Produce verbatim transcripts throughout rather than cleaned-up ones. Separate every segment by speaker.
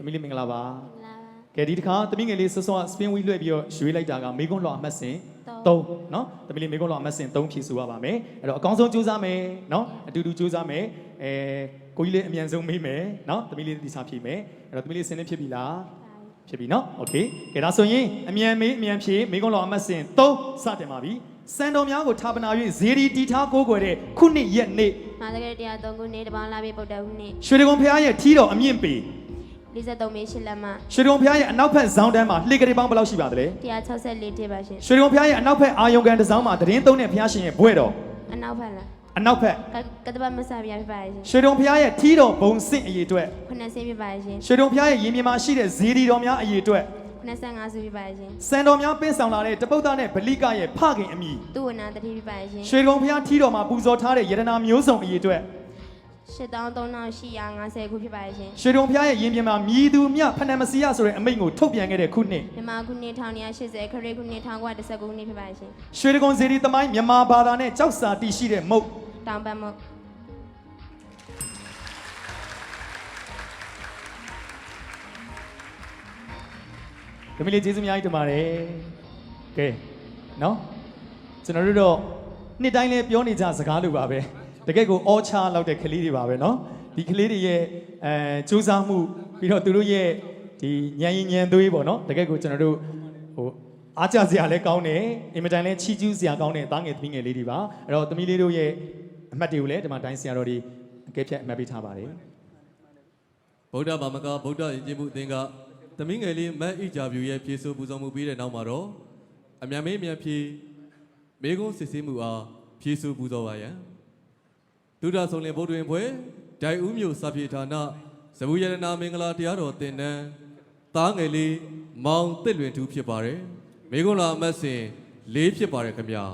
Speaker 1: သမီးလေးမင်္ဂလာပါကဲဒီတစ်ခါသမီးငယ်လေးစောစောစပင်းဝီလွှဲပြီးတော့ရွှေလိုက်တာကမေကွန်းလွှာအမှတ်စဉ်သုံးနော်သမီးလေးမေကွန်းလွှာအမှတ်စဉ်သုံးဖြည့်ဆိုရပါမယ်အဲ့တော့အကောင်းဆုံးကြိုးစားမယ်နော်အတူတူကြိုးစားမယ်အဲကိုကြီးလေးအမြန်ဆုံးမေးမယ်နော်သမီးလေးဒီစားဖြည့်မယ်အဲ့တော့သမီးလေးစင်းနေဖြစ်ပြီလားဖြစ်ပြီနော်โอเคကဲဒါဆိုရင်အမြန်မေးအမြန်ဖြည့်မေကွန်းလွှာအမှတ်စဉ်သုံးစတင်ပါပြီစံတော်များကိုထာပနာ၍ဇေဒီတီထားကိုးကွယ်တဲ့ခုနှစ်ရက်နေ့
Speaker 2: မာသကရတရားသုံးခုနှစ်တပေါင်းလာပြီဗုဒ္ဓဟူးနေ့
Speaker 1: ရွှေဒဂုံဖျားရဲ့ထီးတော်အမြင့်ပေ
Speaker 2: လေးสิบสองမေရှစ်လက်မ
Speaker 1: ရွှေဒဂုံဖျားရဲ့အနောက်ဘက်ဇောင်းတန်းမှာလှေကလေးပေါင်းဘယ်လောက်ရှိပါသလဲ
Speaker 2: တစ်ရာခြောက်ဆယ်လေးတိပါရှင်
Speaker 1: ရွှေဒဂုံဖျားရဲ့အနောက်ဘက်အာယုံကန်တစ်စောင်းမှာတရင်သုံးတဲ့ဖျားရှင်ရဲ့ဘွဲ့တော်
Speaker 2: အနောက်ဘက်လား
Speaker 1: အနောက်ဘက်က
Speaker 2: တပတ်မဆပြပြပါရှင်
Speaker 1: ရွှေဒဂုံဖျားရဲ့ထီးတော်ဘုံစင့်အရေးအတွက်
Speaker 2: ခုနှစ်ဆင်းပြပါရှင်
Speaker 1: ရွှေဒဂုံဖျားရဲ့ရင်ပြင်မှာရှိတဲ့ဇေဒီတော်များအရေးအတွက်
Speaker 2: ခုနှစ်ဆငါးစုပြပါရှင်
Speaker 1: စံတော်များပင်းဆောင်လာတဲ့တပုတ်သားနဲ့ဗလိကရဲ့ဖခင်အမိ
Speaker 2: သူဝနာတတိပြပါရှင်
Speaker 1: ရွှေဒဂုံဖျားထီးတော်မှာပူဇော်ထားတဲ့ယရနာမျိုးစုံအရေးအတွက်
Speaker 2: ရှစ်တောင်းသုံးတောင်းရှိရာငါးဆယ်ခုဖြစ်ပါရှင်
Speaker 1: ရွှေဒဂုံဖျားရဲ့ရင်ပြင်မှာမြည်သူမြဖဏမစီယဆိုတဲ့အမိန့်ကိုထုတ်ပြန်ခဲ့တဲ့ခုနှစ်
Speaker 2: မြန်မာခုနှစ်တစ်ရာရှစ်ဆယ်ခရစ်ခုနှစ်တစ်ရာတစ်ဆယ်ခုနှစ်ဖြစ်ပါရှင်
Speaker 1: ရွှေဒဂုံဇေဒီသမိုင်းမြန်မာဘာသာနဲ့ကြောက်စာတည်ရှိတဲ့မုတ်
Speaker 2: တောင်ပတ်မုတ်
Speaker 1: ဒီမလေးကျေးဇူးအများကြီးတင်ပါတယ်ကဲနော်ကျွန်တော်တို့တော့နှစ်တိုင်းလဲပြောနေကြစကားလိုပါပဲတကယ့်ကိုအောချာလောက်တဲ့ကလေးတွေပါပဲနော်ဒီကလေးတွေရဲ့အဲစူးစမ်းမှုပြီးတော့သူတို့ရဲ့ဒီညံရင်ညံသွေးပေါ့နော်တကယ့်ကိုကျွန်တော်တို့ဟိုအားကြစရာလည်းကောင်းတယ်အင်မတန်လည်းချီးကျူးစရာကောင်းတဲ့သားငယ်သမီးငယ်လေးတွေပါအဲ့တော့သမီးလေးတို့ရဲ့အမှတ်တွေကိုလည်းဒီမှာတိုင်းဆရာတော်တွေအကဲဖြတ်အမှတ်ပေးထားပါတယ်
Speaker 3: ဗုဒ္ဓဘာမကဗုဒ္ဓယဉ်ကျေးမှုအသင်းကသမီးငယ်လေးမတ်ဣဂျာဗျူရဲ့ဖြည့်ဆို့ပူဇော်မှုပြီးတဲ့နောက်မှာတော့အမြန်မေးအမြန်ဖြည့်မေကုန်းစစ်ဆေးမှုအားဖြည့်ဆို့ပူဇော်ပါရန်ဒုဒဆုံလင်ဗုဒ္ဓဝင်ဖွဲ့ဒိုင်ဦးမြို့စာပြေဌာနဇဗူရတနာမင်္ဂလာတရားတော်သင်တန်းသားငယ်လေးမောင်တစ်လွင်ထူးဖြစ်ပါတယ်မေကုန်းလာအမတ်စဉ်လေးဖြစ်ပါတယ်ခင်ဗျာ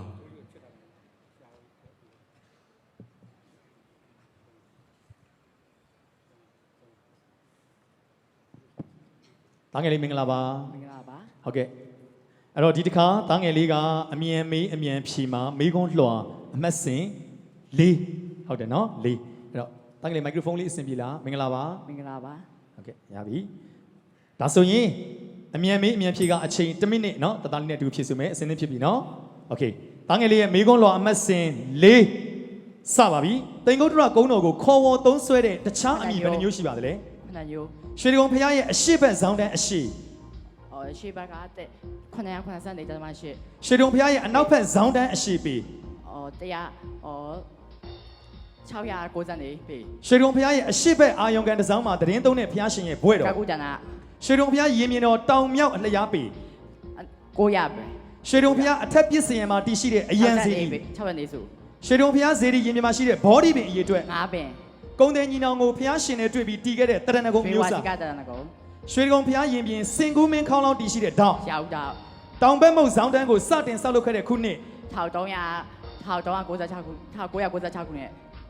Speaker 1: သားငယ်လေးမင်္ဂလာပါ
Speaker 4: မင်္ဂလာပါ
Speaker 1: ဟုတ်ကဲ့အဲ့တော့ဒီတစ်ခါသားငယ်လေးကအမြန်မေးအမြန်ဖြီမှာမေးခွန်းလွှာအမှတ်စဉ်လေးဟုတ်တယ်နော်လေးအဲ့တော့သားငယ်လေးမိုက်ခရိုဖုန်းလေးအဆင်ပြေလားမင်္ဂလာပါ
Speaker 4: မင်္ဂလာပါ
Speaker 1: ဟုတ်ကဲ့ရပြီဒါဆိုရင်အမြန်မေးအမြန်ဖြီကအချိန်တစ်မိနစ်နော်တသားလေးနဲ့တူဖြည့်ဆိုမယ်အစင်းသင်းဖြစ်ပြီနော်โอเคသားငယ်လေးရဲ့မေးခွန်းလွှာအမှတ်စဉ်လေးစပါပြီတိန်ကုတ်တရကုန်းတော်ကိုခေါ်ဝေါ်သုံးဆွဲတဲ့တခြားအမည်ဘယ်နှမျိုးရှိပါသလဲ
Speaker 4: ခဏညို
Speaker 1: ရွှေဒဂုံဖျားရဲ့အရှိဘက်ဇောင်းတန်းအရှိ
Speaker 4: အော်ရှေ့ဘက်ကတဲ့ခုနှစ်ရာခုနှစ်ဆယ်နေကြမှာရှေ့
Speaker 1: ရွှေဒဂုံဖျားရဲ့အနောက်ဘက်ဇောင်းတန်းအရှိပေ
Speaker 4: အော်တရားအော်ခြောက်ရာကိုးဆယ်နေပေ
Speaker 1: ရွှေဒဂုံဖျားရဲ့အရှိဘက်အာယုံကန်တစ်စောင်းမှာတရင်သုံးတဲ့ဖျားရှင်ရဲ့ဘွဲ့တော်
Speaker 4: ကကူတနာ
Speaker 1: ရွှေဒဂုံဖျားရင်မြင်တော်တောင်မြောက်အလျားပေ
Speaker 4: ကိုရပဲ
Speaker 1: ရွှေဒဂုံဖျားအထက်ပစ္စယံမှာတည်ရှိတဲ့အယံစီ
Speaker 4: ခြောက်နေစု
Speaker 1: ရွှေဒဂုံဖျားဇေဒီရင်မြင်မှာရှိတဲ့ဘောဒီပင်အရေးအတွက်
Speaker 4: ငါးပင်
Speaker 1: ကုန်းတဲ့ညီနောင်ကိုဖျားရှင်နဲ့တွေ့ပြီးတီးခဲ့တဲ့တရဏဂုံမျိုးစာရွှေဒဂုံဖျားရင်ပြင်စင်ကူးမင်းခေါင်းလောင်းတည်ရှိတဲ့တောင်
Speaker 4: ရောက်တော့
Speaker 1: တောင်ဘက်မုတ်ဇောင်းတန်းကိုစတင်ဆောက်လုပ်ခဲ့တဲ့ခုနှစ်
Speaker 4: တစ်ထောင်သုံးရာတစ်ထောင်သုံးရာကိုးဆယ်ခြောက်ခုတစ်ထောင်ကိုးရာကိုးဆယ်ခြောက်ခုနဲ့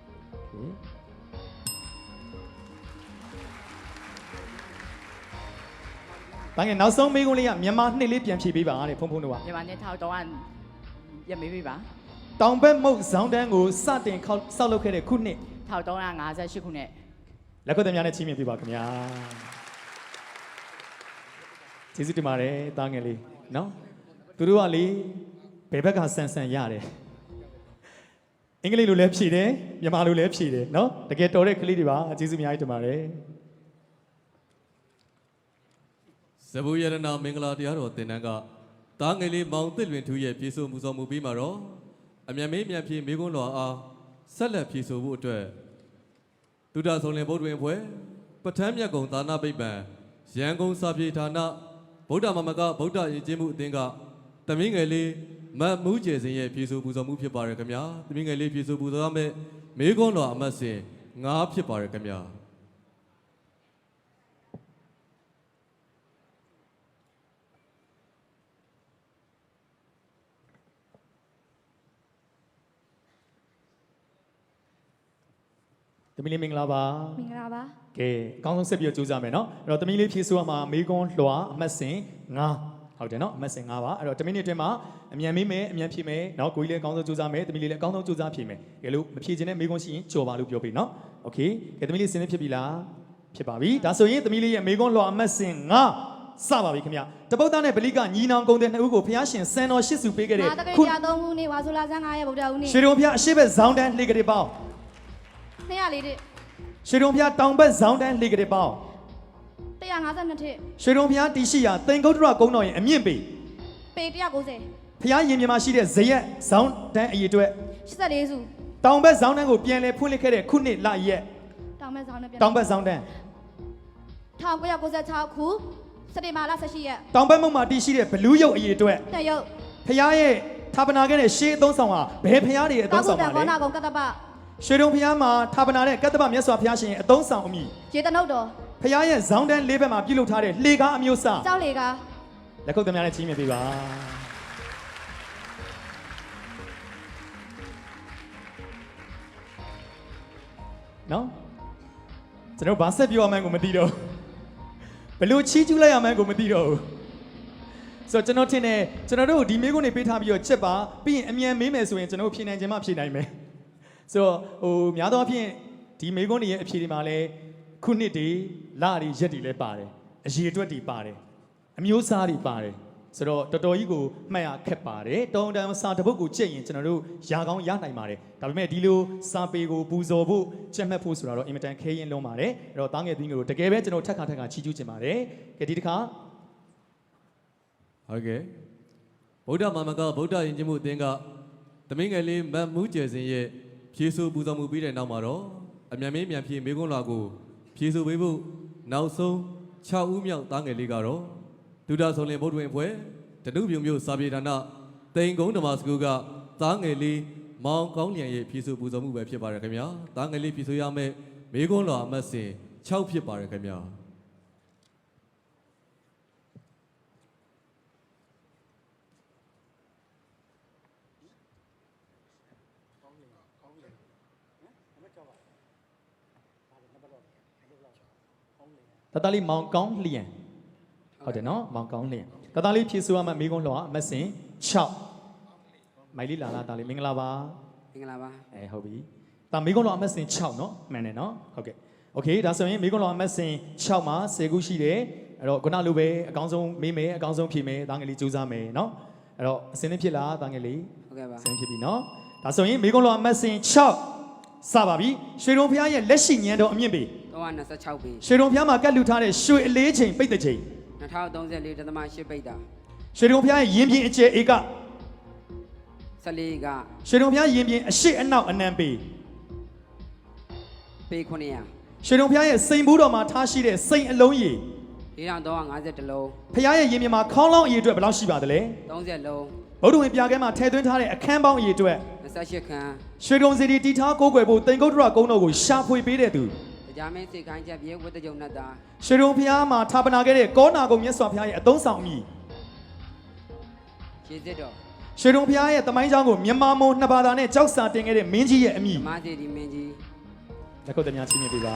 Speaker 1: ဘာငယ်နောက်ဆုံးမေးခွန်းလေးကမြန်မာနှစ်လေးပြန်ဖြေပေးပါတဲ့ဖုန်းဖုန်းတို့က
Speaker 4: မြန်မာနှစ်ထောင်သုံးရာရမေးပေးပါ
Speaker 1: တောင်ဘက်မုတ်ဇောင်းတန်းကိုစတင်ဆောက်လုပ်ခဲ့တဲ့ခုနှစ်
Speaker 4: ထောင်သုံးရာငါးဆယ်ရှစ်ခုနဲ့
Speaker 1: လက်ခွတ်သမားနဲ့ချီးမြှင့်ပေးပါခင်ဗျာကျေးဇူးတင်ပါတယ်တားငယ်လေးနော်သူတို့ကလေဘယ်ဘက်ကဆန်ဆန်ရတယ်အင်္ဂလိပ်လိုလည်းဖြေတယ်မြန်မာလိုလည်းဖြေတယ်နော်တကယ်တော်တဲ့ကလေးတွေပါကျေးဇူးအများကြီးတင်ပါတယ်
Speaker 3: ဇဗူရတနာမင်္ဂလာတရားတော်သင်တန်းကသားငယ်လေးမောင်တစ်လွင်ထူးရဲ့ပြေဆိုမှုဆောင်မှုပြီးမှာတော့အမြန်မေးမြန်ဖြေမေးခွန်းလွှာအားဆက်လက်ဖြေဆိုဖို့အတွက်ဒုဒဆုံလင်ဗုဒ္ဓဝင်ဖွဲ့ပဋ္ဌာန်းမြတ်ကုံသာနာပိပံရန်ကုန်စာပြေဌာနဗုဒ္ဓမမကဗုဒ္ဓယဉ်ကျေးမှုအသင်းကသမီးငယ်လေးမတ်မှုကျယ်စင်ရဲ့ဖြေဆိုပူဇော်မှုဖြစ်ပါတယ်ခင်ဗျာသမီးငယ်လေးဖြေဆိုပူဇော်ရမယ့်မေးခွန်းလွှာအမှတ်စဉ်ငါးဖြစ်ပါတယ်ခင်ဗျာ
Speaker 1: သမီးလေးမင်္ဂလာပါ
Speaker 2: မင်္ဂလာပါ
Speaker 1: ကဲအကောင်းဆုံးဆက်ပြီးတော့ကြိုးစားမယ်နော်အဲ့တော့သမီးလေးဖြည့်ဆိုရမှာမေးခွန်းလွှာအမှတ်စဉ်ငါးဟုတ်တယ်နော်အမှတ်စဉ်ငါးပါအဲ့တော့တစ်မိနစ်အတွင်းမှာအမြန်မေးမယ်အမြန်ဖြည့်မယ်နော်ကိုကြီးလည်းအကောင်းဆုံးကြိုးစားမယ်သမီးလေးလည်းအကောင်းဆုံးကြိုးစားဖြည့်မယ်ကဲလို့မဖြည့်ခြင်းနဲ့မေးခွန်းရှိရင်ကြော်ပါလို့ပြောပေးနော်โอเคကဲသမီးလေးစင်နေဖြစ်ပြီလားဖြစ်ပါပြီဒါဆိုရင်သမီးလေးရဲ့မေကွန်းလွှာအမှတ်စဉ်ငါစပါပြီခင်ဗျတပုတ်သားနဲ့ဗလိကညီနောင်ကုံတဲ့နှစ်ဦးကိုဖျားရှင်စံတော်ရှစ်စုပေးခဲ့တဲ့
Speaker 2: မာတကယ်ပြသုံးဦးနေဝါဆိုလာဆန်း9ရက်ဗုဒ္ဓဦးနေ
Speaker 1: ရွှေတုံဖျားအရှိဘက်ဇောင်းတန်းလှေကလေးပေါင်း
Speaker 2: နှစ်ရလေးတစ်
Speaker 1: ရွှေတုံဖျားတောင်ဘက်ဇောင်းတန်းလှေကလေးပေါင်း
Speaker 2: 152ထစ်
Speaker 1: ရွှေတုံဖျားတီရှိရာသင်္ကုတ်တရကုန်းတော်ရဲ့အမြင့်ပေ
Speaker 2: ပေ190
Speaker 1: ဖျားရင်မြန်မာရှိတဲ့ဇရက်ဇောင်းတန်းအရေးအတွက်
Speaker 2: 84စု
Speaker 1: တောင်ဘက်ဇောင်းတန်းကိုပြန်လဲဖွင့်လှစ်ခဲ့တဲ့ခုနှစ်လရက်
Speaker 2: တောင်မဲဆောင်နဲ့ပြန်
Speaker 1: တောင်ဘက်ဇောင်းတန်း
Speaker 2: 1996ခုစက်တင်ဘာလ18ရက်
Speaker 1: တောင်ဘက်မုံမှာတီရှိတဲ့ဘလူးရုပ်အရေးအတွက်
Speaker 2: နှစ်ရုပ်
Speaker 1: ဖျားရဲ့ဌာပနာခဲ့တဲ့ရှေးအသုံးဆောင်ဟာဘယ်ဖျားတွေရဲ့အ
Speaker 2: ကော
Speaker 1: သုံး
Speaker 2: က်ခု
Speaker 1: ဆောင်
Speaker 2: တ
Speaker 1: ပါ
Speaker 2: န်
Speaker 1: လဲ
Speaker 2: ကောနာကုံကတ္တပ
Speaker 1: ရွှေတုံဖျားမှာဌာပနာတဲ့ကတ္တပမြတ်စွာဘုရားရှင်ရဲ့အသုံးဆောင်အမည်
Speaker 2: ရေတနုတ်တော်
Speaker 1: ဖျားရဲ့ဇောင်းတန်းလေးဘက်မှာပြုလုပ်ထားတဲ့လှေကားအမျိုးအစား
Speaker 2: ကြောက်လေက
Speaker 1: လက်ခုပ်သမားနဲ့ကြီးမြတ်ပေးပါနော်ကျွန်တော်ဘာဆက်ပြောမှန်းကိုမသိတော့ဘလို့ချီးကျူးလိုက်ရမှန်းကိုမသိတော့ဘူးဆိုတော့ကျွန်တော်ထင်တယ်ကျွန်တော်တို့ဒီမေးခွန်းတွေပေးထားပြီးတော့ချက်ပါပြီးရင်အမြန်မေးမယ်ဆိုရင်ကျွန်တော်ဖြေနိုင်ခြင်းမဖြေနိုင်မယ်ဆိုတော့ဟိုများသောအားဖြင့်ဒီမေးခွန်းတွေရဲ့အဖြေတွေမှာလည်းခုနှစ်တွေလတွေရက်တွေလည်းပါတယ်အရေအတွက်တွေပါတယ်အမျိုးအစားတွေပါတယ်ဆိုတော့တော်တော်ကြီးကိုမှတ်ရခက်ပါတယ်တောင်းတန်းစာတစ်ပုဒ်ကိုကြည့်ရင်ကျွန်တော်တို့ရာကောင်းရနိုင်ပါတယ်ဒါပေမဲ့ဒီလိုစာပေကိုပူဇော်ဖို့ချက်မှတ်ဖို့ဆိုတာတော့အင်မတန်ခဲရင်လုံးပါတယ်အဲ့တော့တားငယ်သင်းကိုတကယ်ပဲကျွန်တော်ထက်ခါထက်ခါချီးကျူးခြင်းပါတယ်ကဲဒီတစ်ခါ
Speaker 3: ဟုတ်ကဲ့ဗုဒ္ဓမာမကဗုဒ္ဓယဉ်ကျေးမှုအသင်းကသမင်းငယ်လေးမတ်မှုကျယ်စင်ရဲ့ဖြည့်ဆို့ပူဇော်မှုပြီးတဲ့နောက်မှာတော့အမြန်မင်းမြန်ဖြည့်မေကွန်းလွာကိုဖြည့်ဆို့ပေးဖို့နောက်ဆုံး6ဦးမြောက်သားငယ်လေးကတော့ဒုဒဆုံလင်ဗုဒ္ဓဝင်ဖွဲ့တနုပြုံမျိုးစာပြေဌာနတိန်ကုန်းဓမ္မစကူကသားငယ်လေးမောင်ကောင်းလျံရဲ့ဖြည့်ဆို့ပူဇော်မှုပဲဖြစ်ပါတယ်ခင်ဗျာသားငယ်လေးဖြည့်ဆို့ရမယ့်မေကွန်းလွာအမှတ်စဉ်6ဖြစ်ပါတယ်ခင်ဗျာ
Speaker 1: တတလေးမောင်ကောင်းလျံဟုတ်တယ်နော်မောင်ကောင်းလျံတတလေးဖြည့်ဆို့ရမယ့်မေကွန်းလွှာအမှတ်စဉ်6မိုင်လေးလာလာတာလေးမင်္ဂလာပါ
Speaker 5: မင်္ဂလာပါ
Speaker 1: အဲဟုတ်ပြီဒါမေကွန်းလွှာအမှတ်စဉ်6နော်မှန်တယ်နော်ဟုတ်ကဲ့โอเคဒါဆိုရင်မေကွန်းလွှာအမှတ်စဉ်6မှာ10ခုရှိတယ်အဲ့တော့ခုနလိုပဲအကောင်းဆုံးမေးမယ်အကောင်းဆုံးဖြေမယ်တားငယ်လေးစူးစမ်းမယ်နော်အဲ့တော့အစင်းသင်းဖြစ်လားတားငယ်လေး
Speaker 5: ဟုတ်ကဲ့ပါ
Speaker 1: အစင်းဖြစ်ပြီနော်ဒါဆိုရင်မေကွန်းလွှာအမှတ်စဉ်6စပါပြီရွှေတုံဖျားရဲ့လက်ရှိညံတော်အမြင့်ပေ
Speaker 5: 326ပေ
Speaker 1: ရွှေတုံဖျားမှာကတ်လူထားတဲ့ရွှေအလေးချိန်ပိတ်တဲ့ချိန်
Speaker 5: 2034.8ပိတ်တာ
Speaker 1: ရွှေတုံဖျားရဲ့ရင်ပြင်အကျယ်ဧက
Speaker 5: 14က
Speaker 1: ရွှေတုံဖျားရင်ပြင်အရှိအနောက်အနံပေ
Speaker 5: ပေ900
Speaker 1: ရွှေတုံဖျားရဲ့စိန်ဘူးတော်မှာထားရှိတဲ့စိန်အလုံးရည်
Speaker 5: 4350လုံး
Speaker 1: ဖျားရဲ့ရင်ပြင်မှာခေါင်းလောင်းအရေအတွက်ဘယ်လောက်ရှိပါသလဲ
Speaker 5: 30လုံး
Speaker 1: ဗုဒ္ဓဝင်ပြခဲမှာထည့်သွင်းထားတဲ့အခန်းပေါင်းအရေအတွက်
Speaker 5: 28ခန်း
Speaker 1: ရွှေတုံစီတီတီထားကိုးကွယ်ဖို့တိန်ကုတ်တရကုန်းတော်ကိုရှာဖွေပေးတဲ့သူ
Speaker 5: ကြာမင်းစိတ်ခိုင်းချက်ပြေဝတ်တကြုံနဲ့တာ
Speaker 1: ရွှေတုံဖျားမှာဌာပနာခဲ့တဲ့ကောနာကုံမြတ်စွာဘုရားရဲ့အသုံးဆောင်အမည်
Speaker 5: ခြေစစ်တော်
Speaker 1: ရွှေတုံဖျားရဲ့တမိုင်းကြောင်းကိုမြန်မာမုံနှစ်ဘာသာနဲ့ကြောက်စာတင်ခဲ့တဲ့မင်းကြီးရဲ့အမည်
Speaker 5: ဓမ္မစီဒီမင်းကြီး
Speaker 1: လက်ခုပ်သမားချင်းမြင်ပေးပါ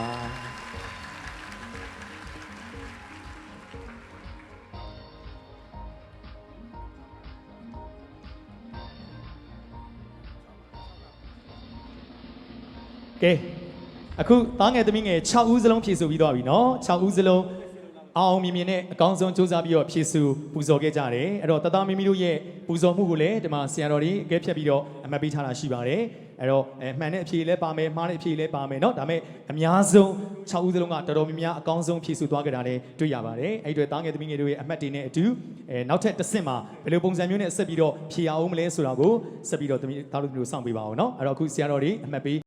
Speaker 1: ကဲအခုသားငယ်သမီးငယ်6ဦးစလုံးဖြည့်ဆို့ပြီးသွားပြီเนาะ6ဦးစလုံးအောင်အောင်မြင်မြင်နဲ့အကောင်းဆုံးစူးစမ်းပြီးတော့ဖြည့်ဆို့ပူဇော်ခဲ့ကြတယ်အဲ့တော့တသားမီမီတို့ရဲ့ပူဇော်မှုကိုလည်းဒီမှာဆရာတော်တွေအကဲဖြတ်ပြီးတော့အမှတ်ပေးထားတာရှိပါတယ်အဲ့တော့အဲမှန်တဲ့အဖြေလည်းပါမယ်မှားတဲ့အဖြေလည်းပါမယ်เนาะဒါပေမဲ့အများဆုံး6ဦးစလုံးကတော်တော်များများအကောင်းဆုံးဖြည့်ဆို့သွားကြတာလည်းတွေ့ရပါတယ်အဲ့ဒီအတွက်သားငယ်သမီးငယ်တို့ရဲ့အမှတ်တွေနဲ့အတူအဲနောက်ထပ်တစ်ဆင့်မှာဘယ်လိုပုံစံမျိုးနဲ့ဆက်ပြီးတော့ဖြည့်ရအောင်မလဲဆိုတာကိုဆက်ပြီးတော့သမီးသားတို့မျိုးစောင့်ပေးပါအောင်เนาะအဲ့တော့အခုဆရာတော်တွေအမှတ်ပေး